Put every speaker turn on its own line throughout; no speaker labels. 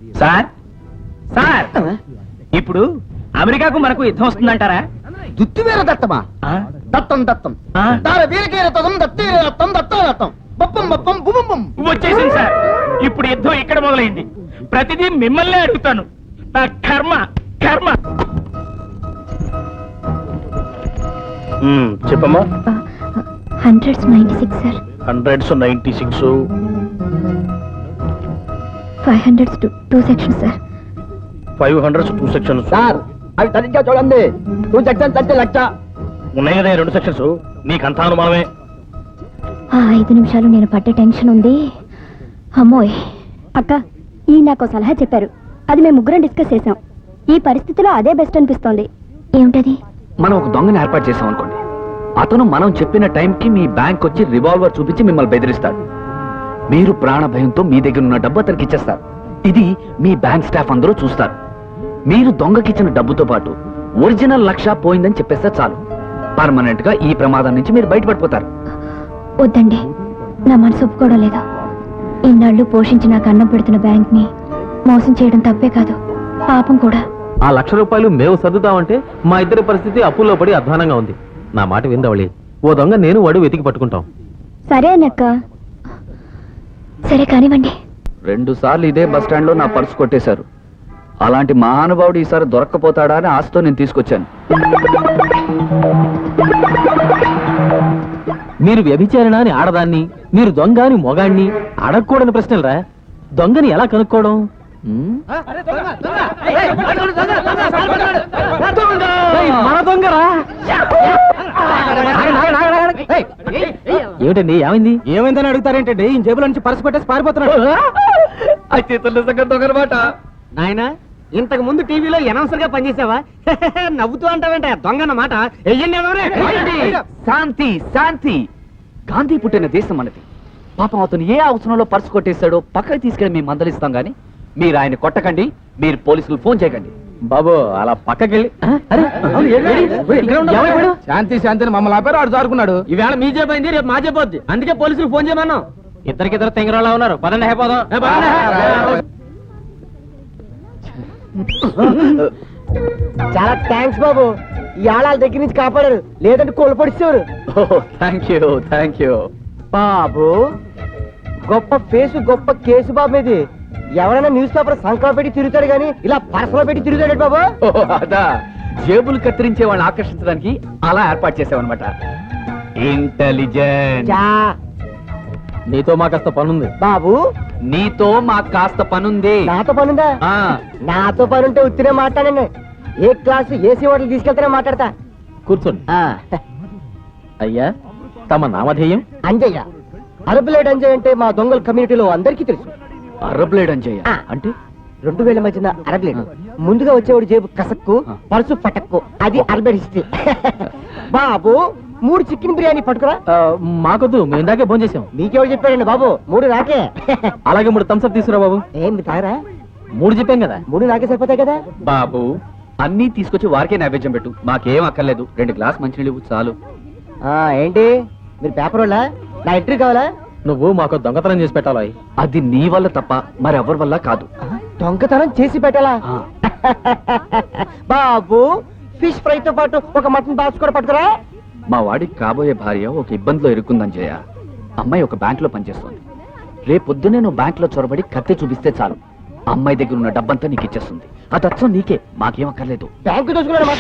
Sir sir ఇప్పుడు అమెరికాకు మనకు యుద్ధం వస్తుందంటారా?
దుత్తివీర దత్తమా? దత్తం దత్తం వీరకీర తదం దత్తీర దత్తం దత్తం దత్తం బప్పం బప్పం బుబం
వచ్చేసింది సార్. ఇప్పుడు యుద్ధం ఇక్కడ మొదలైంది. ప్రతిదీ మిమ్మల్ని అడుగుతాను. నా కర్మ కర్మ. చెప్పమ్మా.
196 sir.
196
500 2 sections sir.
500 2 sections
sir. అవి సరిగ్గా చూడండి. 2 సెక్షన్స్ అంటే లక్ష
ఉన్నాయి కదా. 2 సెక్షన్స్ నీకంతా అనుమానమే.
5 నిమిషాలు నేను పడ్డ టెన్షన్ ఉంది. అమ్మోయ్. అక్క ఈ నాకు సలహా చెప్పారు. అది మేము ముగ్గురం డిస్కస్ చేసాం. ఈ పరిస్థితిలో అదే బెస్ట్ అనిపిస్తోంది. ఏమిటది?
మనం ఒక దొంగని ఏర్పాటు చేసాం అనుకోండి. అతను మనం చెప్పిన టైంకి మీ బ్యాంక్ వచ్చి రివాల్వర్ చూపించి మిమ్మల్ని బెదిరిస్తాడు. మీరు ప్రాణ భయంతో మీ దగ్గర ఉన్న డబ్బు అతనికి ఇచ్చేస్తారు. ఇది మీ బ్యాంక్ స్టాఫ్ అందరూ చూస్తారు. మీరు దొంగకిచ్చిన డబ్బుతో పాటు ఒరిజినల్ లక్ష పోయిందని చెప్పేస్తే చాలు. పర్మనెంట్ గా ఈ ప్రమాదం నుంచి మీరు బయటపడిపోతారు.
వద్దండి, నా మనసు ఒప్పుకోవడం లేదా. ఇన్నాళ్ళు పోషించి నాకు అన్నం పెడుతున్న బ్యాంక్ ని మోసం చేయడం తప్పే కాదు, పాపం కూడా.
ఆ ₹1,00,000 మేము సర్దుతామంటే మా ఇద్దరి పరిస్థితి అప్పుల్లో పడి అధ్వానంగా ఉంది. నా మాట విందవళి. ఓ దొంగ నేను వాడు వెతికి పట్టుకుంటాం.
సరే అన్నక్క. సరే కానివ్వండి.
2 సార్లు ఇదే బస్ స్టాండ్ లో నా పర్సు కొట్టేశారు. అలాంటి మహానుభావుడు ఈసారి దొరక్కపోతాడా అని ఆశతో నేను తీసుకొచ్చాను.
మీరు వ్యభిచారణ అని ఆడదాన్ని, మీరు దొంగ అని మొగాణ్ణి అడగకూడని ప్రశ్నలరా. దొంగని ఎలా కనుక్కోవడం? మన దొంగరా? ఏమిటండి, ఏమైంది?
ఏమైందని అడుగుతారేంటండి? ఈ జేబులో నుంచి పర్సు కొట్టేసి పారిపోతున్నాడు.
దొంగనమాట.
నాయనా, ఇంతకు ముందు టీవీలో అనౌన్సర్ గా పనిచేసావా? నవ్వుతూ అంటావేంట? దొంగన్నమాట.
శాంతి శాంతి. గాంధీ పుట్టిన దేశం మనది. పాపం అతను ఏ అవసరంలో పర్సు కొట్టేశాడో పక్కకి తీసుకెళ్ళి మేము మందలిస్తాం గానీ మీరు ఆయన కొట్టకండి. మీరు పోలీసులు ఫోన్ చేయకండి.
బాబు అలా పక్కకెళ్ళి.
శాంతి శాంతిని మమ్మల్ని ఆపారు. ఆడు జారుకున్నాడు.
ఈవేళ మీ జేబైంది, రేపు మా జేబోద్ది. అందుకే పోలీసులు ఫోన్ చేయమన్నాం. ఇద్దరికిద్దరు తెంగరోళ్ళ ఉన్నారు. పదండి, అయిపోదాం.
చాలా థ్యాంక్స్ బాబు. ఈ ఆళ్ళ దగ్గర నుంచి కాపాడారు, లేదంటే కోల్పడిస్తారు.
థ్యాంక్ యూ
బాబు. గొప్ప ఫేసు, గొప్ప కేసు బాబు. ఇది ఎవరైనా న్యూస్ పేపర్ సంకలో పెట్టి తిరుగుతాడు కానీ ఇలా పర్సలో పెట్టి తిరుగుతాడు బాబు.
అదా, జేబులు కత్తిరించే వాళ్ళని ఆకర్షించడానికి అలా ఏర్పాటు చేసామన్నమాట. ఇంటెలిజెంట్.
నీతో మా కాస్త పనుంది
బాబు.
నీతో మాకు కాస్త పనుంది.
నాతో పనుందా? నాతో పనుంటే ఉత్తినే మాట్లాడండి. ఏ క్లాసు ఏసీ హోటల్ తీసుకెళ్తేనే మాట్లాడతా.
కూర్చోండి. అయ్యా, తమ నామధేయం?
అంజయ్య. అరబులేడ్ అంజయ్ అంటే మా దొంగల కమ్యూనిటీలో అందరికీ తెలుసు.
అరబ్లేడ్ అంజయ్య అంటే
2000 మధ్యన అరబ్లేడ్. ముందుగా వచ్చేవాడు జేబు కసక్కు, పరుసు పటక్కు. అది అరబెడ్ హిస్టరీ. బాబు, 3 చికెన్ బిర్యానీ పట్టుకురా.
మాకొద్దు, మేము ఇందాకే ఫోన్ చేసాం.
మీకెవరు చెప్పాడండి బాబు? 3 నాకే.
అలాగే 3 థమ్స్అప్ తీసుకురా బాబు.
ఏం తాగరా?
3 చెప్పాం కదా.
3 నాకే సరిపోతాయి కదా
బాబు. అన్నీ తీసుకొచ్చి వారికే నైవేద్యం పెట్టు. మాకేం అక్కర్లేదు. 2 గ్లాస్ మంచినీళ్ళు చాలు.
ఏంటి మీరు పేపర్ వాళ్ళ? నా ఎంట్రీ కావాలా?
నువ్వు మాకు దొంగతనం చేసి పెట్టాలి.
అది నీ వల్ల తప్ప మరెవరి వల్ల కాదు.
దొంగతనం చేసి పెట్టాలా? బాబు, ఫిష్ ఫ్రై తో పాటు ఒక మటన్ బాక్స్ కూడా పట్టుకురా.
మా వాడికి కాబోయే భార్య ఒక ఇబ్బందిలో ఇరుక్కుందని చేయ. అమ్మాయి ఒక బ్యాంక్ లో పనిచేస్తుంది. రేపొద్దునే నువ్వు బ్యాంక్ లో చొరబడి కత్తి చూపిస్తే చాలు, అమ్మాయి దగ్గర ఉన్న డబ్బంతా నీకు ఇచ్చేస్తుంది. అది అచ్చం నీకే, మాకేం అక్కర్లేదు.
బ్యాంకు దోచుకున్నాడన్నమాట.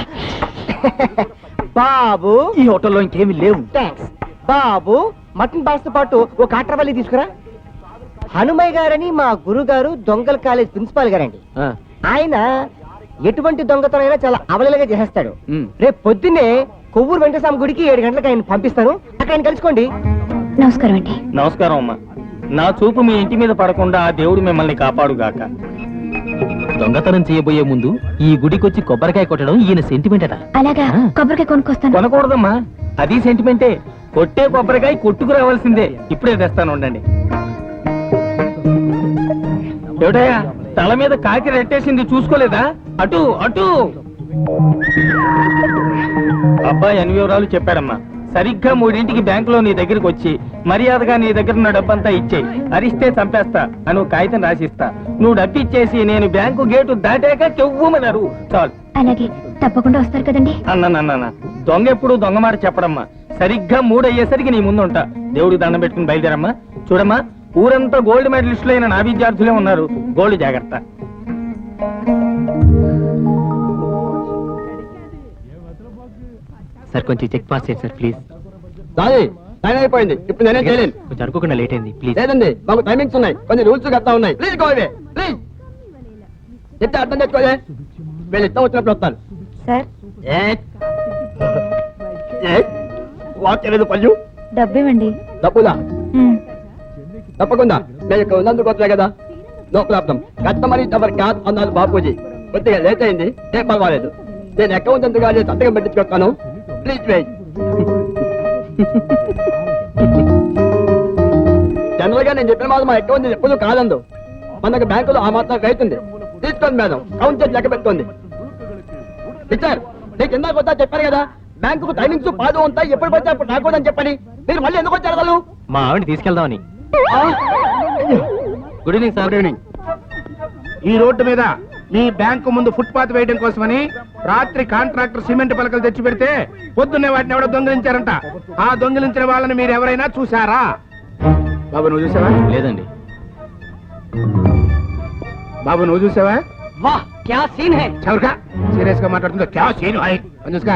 బాబు,
ఈ హోటల్లో ఇంకేమీ లేవు.
థ్యాంక్స్. బాబు, మటన్ బాక్స్ తో పాటు ఒక ఆట్రవల్లి తీసుకురా. హనుమయ్య గారని మా గురుగారు దొంగల కాలేజ్ ప్రిన్సిపాల్ గారండి. ఆయన ఎటువంటి దొంగతనైనా చాలా అవలలుగా చేసేస్తాడు. రేపు పొద్దున్నే కొవ్వూరు వెంకటస్వామి గుడికి 7 గంటలకు ఆయన పంపిస్తాను. అక్కడ ఆయన కలుసుకోండి.
నమస్కారం అండి.
నమస్కారం అమ్మా. నా చూపు మీ ఇంటి మీద పడకుండా ఆ దేవుడు మిమ్మల్ని కాపాడుగాక.
దొంగతనం చేయబోయే ముందు ఈ గుడికొచ్చి కొబ్బరికాయ కొట్టడం ఈయన సెంటిమెంట్ అట.
అలాగా, కొబ్బరికాయ కొనుక్కొస్తాను.
కొనకూడదమ్మా, అది సెంటిమెంటే. కొట్టే కొబ్బరికాయ కొట్టుకు రావాల్సిందే. ఇప్పుడే తెస్తాను, ఉండండి. ఏమిటయ్యా, తల మీద కాకి రెట్టేసింది, చూసుకోలేదా? అటు అటు. అబ్బాయి అన్ని వివరాలు చెప్పాడమ్మా. సరిగ్గా 3ంటికి బ్యాంకులో నీ దగ్గరికి వచ్చి మర్యాదగా నీ దగ్గర ఉన్న డబ్బంతా ఇచ్చేయి. అరిస్తే చంపేస్తా అని కాగితం రాసిస్తా. నువ్వు డబ్బిచ్చేసి నేను బ్యాంకు గేటు దాటాక చెవ్వమన్నారు చాలు.
అలాగే తప్పకుండా వస్తారు కదండి.
అన్న దొంగ ఎప్పుడు దొంగ మాట చెప్పడమ్మా. సరిగ్గా 3 అయ్యేసరికి నీ ముందు ఉంటా. దేవుడికి దండం పెట్టుకుని బయలుదేరమ్మా. చూడమ్మా, ఊరంతా గోల్డ్ మెడలిస్టులు అయిన నా విద్యార్థులే ఉన్నారు. గోల్డ్ జాగ్రత్త.
సార్ కొంచెం చెక్ పాస్ చేయండి సార్ ప్లీజ్.
టైం అయిపోయింది, ఇప్పుడు నేనే చేయలేను.
కొంచెం అనుకోకుండా లేట్ అయింది ప్లీజ్.
లేదండి, మాకు టైమింగ్స్ ఉన్నాయి, కొన్ని రూల్స్ గట్టా ఉన్నాయి. Please go away please. చెప్తే అర్థం చేసుకోలే, వీళ్ళు ఇష్టం వచ్చినప్పుడు వస్తారు.
సార్
వాచ్ లేదు పళ్ళు
డబ్బు ఇవ్వండి.
తప్పుదా? తప్పకుండా, నేను ఇక్కడ ఉన్నందుకు వచ్చా కదా. No problem. Customer is our cash అన్నారు బాపూజీ. కొద్దిగా లేట్ అయింది, ఏం పర్వాలేదు. నేను అకౌంట్ ఎందుకు సంతకం పెట్టించుకొస్తాను. Please wait. జనరల్ గా నేను చెప్పిన మాట మా అకౌంట్ ఎప్పుడు కాదందు. మనకు బ్యాంకులో ఆ మాత్రం రైతుంది. తీసుకోండి మేడం, కౌంట్ చేసి లెక్క పెట్టుకోండి. టీచర్, నీకు ఇందాక వద్దా చెప్పాను కదా, బ్యాంకు టైమింగ్స్ పాదు ఉంటాయి, ఎప్పుడు పడితే అప్పుడు రాకూడదని చెప్పని. మీరు మళ్ళీ ఎందుకు వచ్చారు అసలు?
మా ఆవిడని తీసుకెళ్దామని. Good evening sir.
Good evening. ఈ రోడ్డు మీద మీ బ్యాంకు ముందు ఫుట్పాత్ వేయడం కోసమని రాత్రి కాంట్రాక్టర్ సిమెంట్ పలకలు తెచ్చి పెడితే పొద్దున్నే వాటిని ఎవడో దొంగిలించారంట. ఆ దొంగిలించిన వాళ్ళని మీరు ఎవరైనా చూసారా? బాబు నువ్వు చూసావా?
లేదండి.
బాబు నువ్వు చూసావా?
వాహ్ క్యా సీన్ హై.
చవరకా సీరియస్ గా మాట్లాడుతుందో క్యా సీన్ హై అని చూసుకో.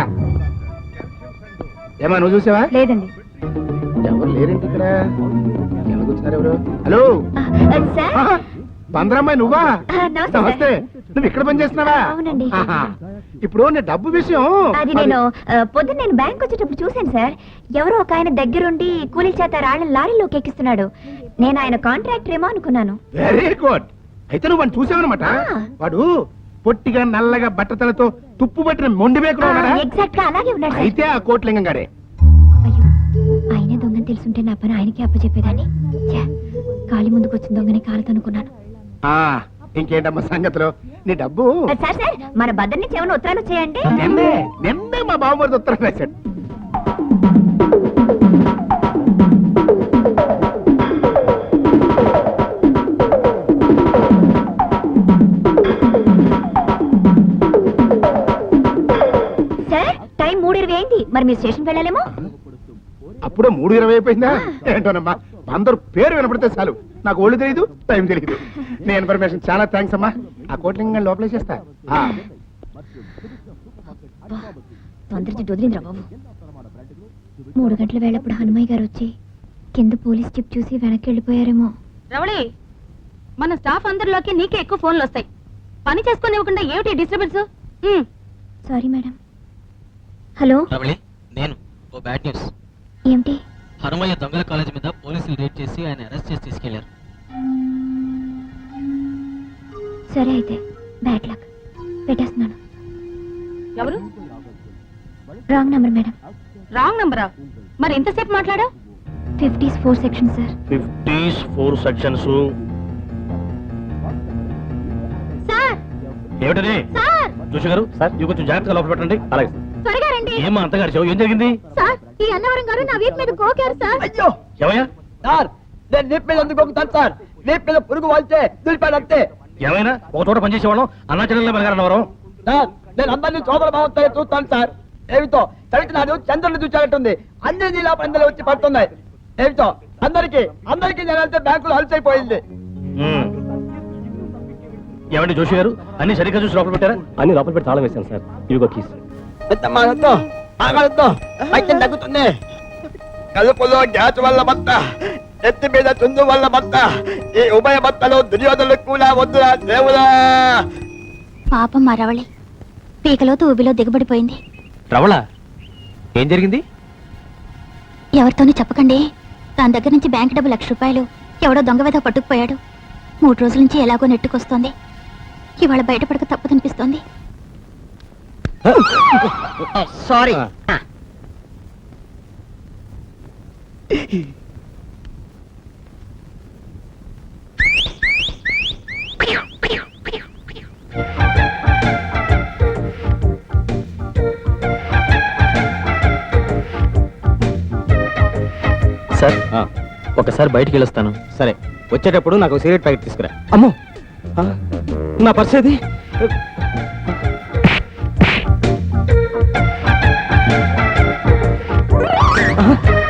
ఏమా నువ్వు చూసావా?
లేదండి.
ఎవరు లేరేంటి ఇక్కడ? ఎలా కూర్చున్నారు ఎవరు? Hello
sir.
బందరమ్మాయి నువ్వా?
నమస్తే.
నమస్తే. నువ్వు ఇక్కడ పని చేస్తున్నావా?
అవునండి.
ఆహా. ఇప్పుడు నీ డబ్బు విషయం
అది నేను పొద్దున్న నేను బ్యాంక్ వచ్చేటప్పుడు చూశాను సార్. ఎవరో ఒక ఆయన దగ్గరుండి కూలీ చేత రాళ్ళని లారీలోకి ఎక్కిస్తున్నాడు. నేను ఆయన కాంట్రాక్టర్ ఏమో అనుకున్నాను.
Very good. అయితే నువ్వు వాడిని చూసావనమాట.
ఆ.
వాడు పొట్టిగా నల్లగా బట్టతలతో తుప్పు పట్టిన మొండి బేకులో ఉన్నాడా?
ఎగ్జాక్ట్ గా అలాగే ఉన్నాడు సార్.
అయితే ఆ కోట్లింగం గారే.
అయ్యో, ఆయనే దొంగని తెలుసుంటే నా పని ఆయనకి అప్పచెప్పేదాన్ని. ఛే, కాలి ముందుకు వచ్చిన దొంగని కాలుతో అనుకున్నాను.
ఆ ఇంకేంటమ్మా సంగతులు? నీ డబ్బు
సార్ సార్, మన బద్దర్ నుంచి ఏమైనా ఉత్తరాలు చేయండి.
నిన్నే మా బావమరిది ఉత్తరం రాశాడు.
సార్, టైం 3:20 అయింది. మరి మీరు స్టేషన్ వెళ్ళాలేమో.
అప్పుడే 3:20 అయిపోయిందా? ఏంటోనమ్మా, అందరూ పేరు వినపడితే చాలు నాకు ఒళ్ళు తెలియదు, టైం తెలియదు. నీ ఇన్ఫర్మేషన్ చాలా థ్యాంక్స్ అమ్మా. ఆ కోట్లింగం లోపలే చేస్తా.
తొందరచి వదిలిందిరా బాబు. 3 గంటల వేళప్పుడు హనుమయ్య గారు వచ్చి కింద పోలీస్ చిప్ చూసి వెనక్కి వెళ్ళిపోయారేమో.
రవళి, మన స్టాఫ్ అందరిలోకి నీకే ఎక్కువ ఫోన్లు వస్తాయి. పని చేసుకునివ్వకుండా ఏమిటి disturbance?
Sorry madam. Hello,
Ramani, నేను ఓ బ్యాడ్ న్యూస్.
ఏమిటి?
హనుమయ్య దొంగల కాలేజ్ మీద పోలీసులు రేడ్ చేసి ఆయన అరెస్ట్ చేసి తీసుకెళ్లారు.
సరే అయితే బ్యాడ్ లక్. పెట్టేస్తున్నాను.
ఎవరు?
Wrong number madam.
రాంగ్ నంబరా? మరి ఎంతసేపు మాట్లాడా?
50s 4 section sir.
50s 4 sections.
Sir
ఏమిటది?
సార్
జోషి గారు, సార్ ఇవి కొంచెం జాగ్రత్తగా లోపల పెట్టండి. అలాగే.
త్వరగా రండి.
ఏమా అంతగారు చెవు, ఏం జరిగింది?
సార్, ఈ అన్నవరం గారు నా వీపు మీద గోకారు సార్.
అయ్యో
ఏమయ్యా?
సార్, నేను వీప్ మీద ఎందుకు ఒకతాను సార్? వీప్ మీద పురుగు వాళ్తే దులిపాడు అంతే.
ఏమైనా ఒక చోట పనిచేసేవాళ్ళం అన్నాచలంలో వెనగారన్నవరం.
సార్, నేను అందరినీ సోదర భావంతో చూస్తాను సార్. ఏమిటో చవిటినాడు చంద్రుని చూచారట్టుంది. అన్ని నీలా పందలు వచ్చి పడుతున్నాయి. ఏమిటో అందరికి నేను వెళ్తే బ్యాంకులో అలసైపోయింది.
ఏమండి జోషి గారు, అన్ని సరిగ్గా చూసి లోపల పెట్టారా?
అన్ని లోపల పెట్టి తాళం వేశాను సార్. ఇదిగో కీస్.
పైకి తగ్గుతుంది. కలుపులో గ్యాస్ వల్ల బత్త, ఎత్తి మీద చుందు వల్ల బత్త, ఈ ఉభయ బత్తలు దుర్యోధనులకు కూడా వద్దురా దేవుడా.
పాపం మా రవళి పీకలో ఊబిలో దిగబడిపోయింది.
రవళ, ఏం జరిగింది?
ఎవరితోనూ చెప్పకండి. దాని దగ్గర నుంచి బ్యాంక్ డబ్బు ₹1,00,000 ఎవడో దొంగ వెధ పట్టుకుపోయాడు. 3 రోజుల నుంచి ఎలాగో నెట్టుకొస్తోంది. ఇవాళ బయటపడక తప్పదనిపిస్తోంది.
సారీ.
సార్, ఒకసారి బయటికి వెళ్ళొస్తాను.
సరే, వచ్చేటప్పుడు నాకు సిగరెట్ ప్యాకెట్ తీసుకురా.
అమ్మో, నా పర్స్ ఏది? ఆ?